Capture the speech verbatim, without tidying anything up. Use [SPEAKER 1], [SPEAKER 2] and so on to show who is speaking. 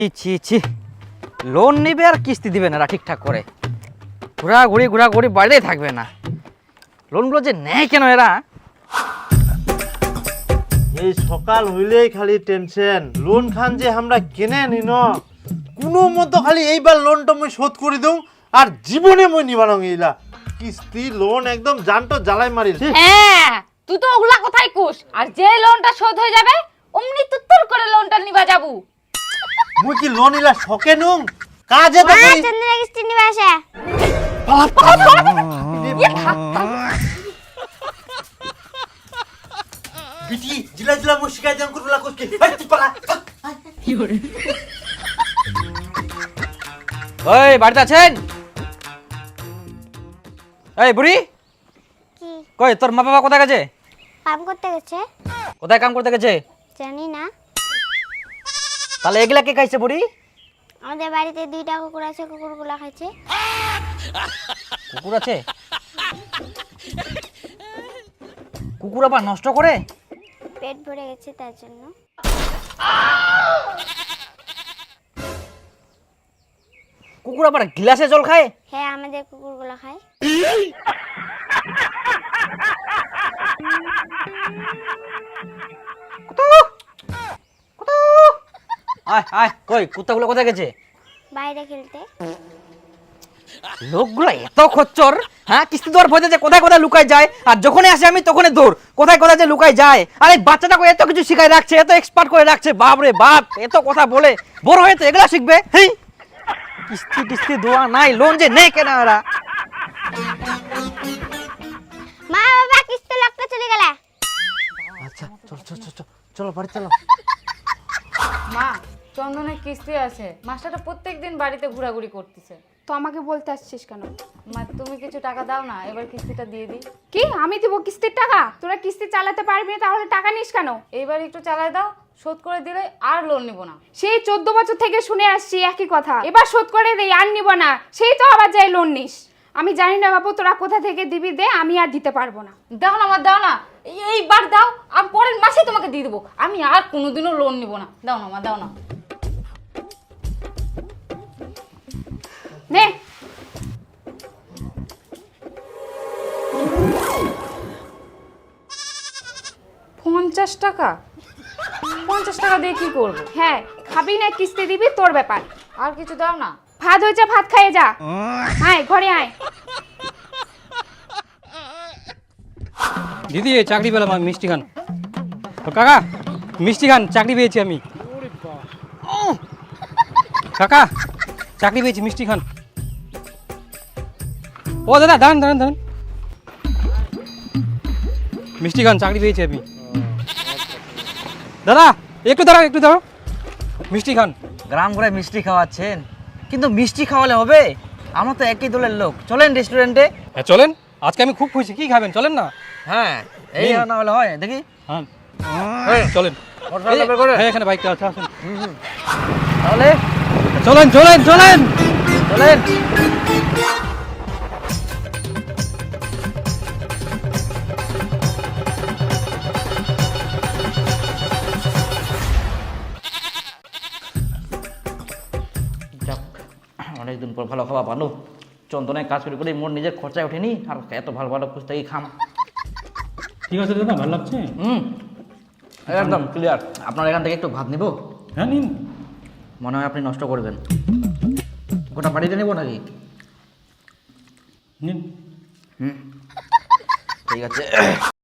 [SPEAKER 1] ছি ছি লোন নিবে আর কিস্তি দিবে না ঠিকঠাক করে, ঘোরাঘুরি ঘোরাঘুরি বাড়িতেই থাকবে না। লোনগুলো যে নেয় কেন এরা?
[SPEAKER 2] এই সকাল হইলেই খালি টেনশন, লোন খান যে আমরা কেনে নি ন কোনো মতো খালি এইবার লোনটা মই শোধ করে দেউ আর জীবনে মই নিবানো গেলা কিস্তি লোন একদম জানটো জ্বালাই মারিল।
[SPEAKER 3] হ্যাঁ তুই তো ওগুলা কথাই কুস, আর যে লোনটা শোধ হয়ে যাবে অমনি তুত্তর করে লোনটা নিবা যাবু।
[SPEAKER 2] মুই কি লোন ইলা শকে নুম কাজে তো করি
[SPEAKER 4] চন্দ্রা কিস্তি নিবে আসে
[SPEAKER 2] বিটি জিলা জিলা মই শিকাই দেন করলা কসকে এই তুই পালা।
[SPEAKER 1] ওই বাড়িতে আছেন? এই বুড়ি
[SPEAKER 4] কি
[SPEAKER 1] কই তোর মা বাবা কোথায় গেছে?
[SPEAKER 4] কাম করতে গেছে
[SPEAKER 1] কোথায় কাম করতে গেছে?
[SPEAKER 4] জানি না।
[SPEAKER 1] তাহলে এগুলা কে খাইছে বুড়ি?
[SPEAKER 4] আমাদের বাড়িতে দুইটা কুকুর আছে, কুকুরগুলা খাইছে।
[SPEAKER 1] কুকুর আছে? কুকুর আবার নষ্ট করে?
[SPEAKER 4] পেট ভরে গেছে তার জন্য।
[SPEAKER 1] কুকুর আবার গ্লাসে জল খায়?
[SPEAKER 4] হ্যাঁ আমাদের কুকুরগুলা খায়।
[SPEAKER 1] আয় আয় কই কুত্তাগুলো কোথায় গেছে?
[SPEAKER 4] বাইরে খেলতে।
[SPEAKER 1] লোকগুলো এত খচ্চর, হ্যাঁ কিস্তি দেওয়ার ভয় যে কোথায় কোথায় লুকায় যায়, আর যখনই আসে আমি তখনই দৌড়, কোথায় কোথায় যে লুকায় যায়। আর এই বাচ্চাটাকে এত কিছু শিখায় রাখছে, এত এক্সপার্ট করে রাখছে, বাপ রে বাপ এত কথা বলে, বড় হয়ে তো এগুলা শিখবে। হেই কিস্তি টিস্তি দেওয়া নাই, লোন যে নেই কেন এরা?
[SPEAKER 4] মা বাবা কিস্তি লাগতে চলে গেলে।
[SPEAKER 2] আচ্ছা চল চল চল চল চলো বাড়ি চলো।
[SPEAKER 3] মা চন্দনের কিস্তি আছে, মাস্টারটা প্রত্যেকদিন বাড়িতে ঘোরাঘুরি করতেছে।
[SPEAKER 5] তো আমাকে বলতে আসছিস কেন?
[SPEAKER 3] মা তুমি কিছু টাকা দাও না, এবার কিস্তিটা দিয়ে দিই।
[SPEAKER 5] কি আমি দিব কিস্তির টাকা? তোরা কিস্তি চালাতে পারবি না, তাহলে টাকা নিস কেন?
[SPEAKER 3] এইবার একটু চালায় দাও, শোধ করে দিলে আর লোন নিব না।
[SPEAKER 5] সেই চোদ্দ বছর থেকে শুনে আসছি একই কথা, এবার শোধ করে দেই আর নিব না, সেই তো আবার যাই লোন নিস। আমি জানি না বাবু তোরা কোথা থেকে দিবি, দে, আমি আর দিতে পারবো না।
[SPEAKER 3] দাও না আমার, দাও না, এই- এইবার দাও, আর পরের মাসে তোমাকে দিয়ে দেবো। আমি আর কোনোদিনও লোন নিব না। দাও না মা, দাও না।
[SPEAKER 5] নে
[SPEAKER 3] পঞ্চাশ টাকা? পঞ্চাশ টাকা দিয়ে কি করবো?
[SPEAKER 5] হ্যাঁ খাবি না কিস্তি দিবি, তোর ব্যাপার।
[SPEAKER 3] আর কিছু দাও না।
[SPEAKER 5] ভাত হয়েছে, ভাত খাইয়ে যা। আয় ঘরে আয়।
[SPEAKER 6] দিদি এই চাকরি পেলাম আমি, মিষ্টি খান। ও কাকা মিষ্টি খান, চাকরি পেয়েছি আমি। কাকা চাকরি পেয়েছি, মিষ্টি খান। ও দাদা দাঁড়ান দাঁড়ান দাঁড়ান, মিষ্টি খান, চাকরি পেয়েছি আমি। দাদা একটু দাঁড়াও একটু দাঁড়াও, মিষ্টি খান।
[SPEAKER 1] গ্রাম ঘুরে মিষ্টি খাওয়াচ্ছেন, কিন্তু মিষ্টি খাওয়ালে হবে? আমরা তো একই দলের লোক, চলেন রেস্টুরেন্টে।
[SPEAKER 6] হ্যাঁ চলেন, আজকে আমি খুব খুশি। কি খাবেন চলেন না?
[SPEAKER 1] হ্যাঁ এই
[SPEAKER 6] নিন।
[SPEAKER 1] না হলে হয় দেখি।
[SPEAKER 6] হ্যাঁ চলেন।
[SPEAKER 1] মোটরসাইকেল বের করে।
[SPEAKER 6] হ্যাঁ এখানে বাইকটা আছে, আসুন।
[SPEAKER 1] তাহলে
[SPEAKER 6] চলেন চলেন চলেন
[SPEAKER 1] চলেন। যাক, অনেকদিন পর ভালো খাওয়া ভালো। চন্দনের কাজ করে করে মোর নিজের খরচায় ওঠেনি, আর এত ভালো ভালো পুস্তকই খাম।
[SPEAKER 6] ঠিক আছে দাদা, ভালো লাগছে।
[SPEAKER 1] হুম একদম ক্লিয়ার। আপনার এখান থেকে একটু ভাত নিব?
[SPEAKER 6] হ্যাঁ নিন।
[SPEAKER 1] মনে হয় আপনি নষ্ট করবেন। গোটা বাড়িতে নেব নাকি?
[SPEAKER 6] নিন।
[SPEAKER 1] হুম ঠিক আছে।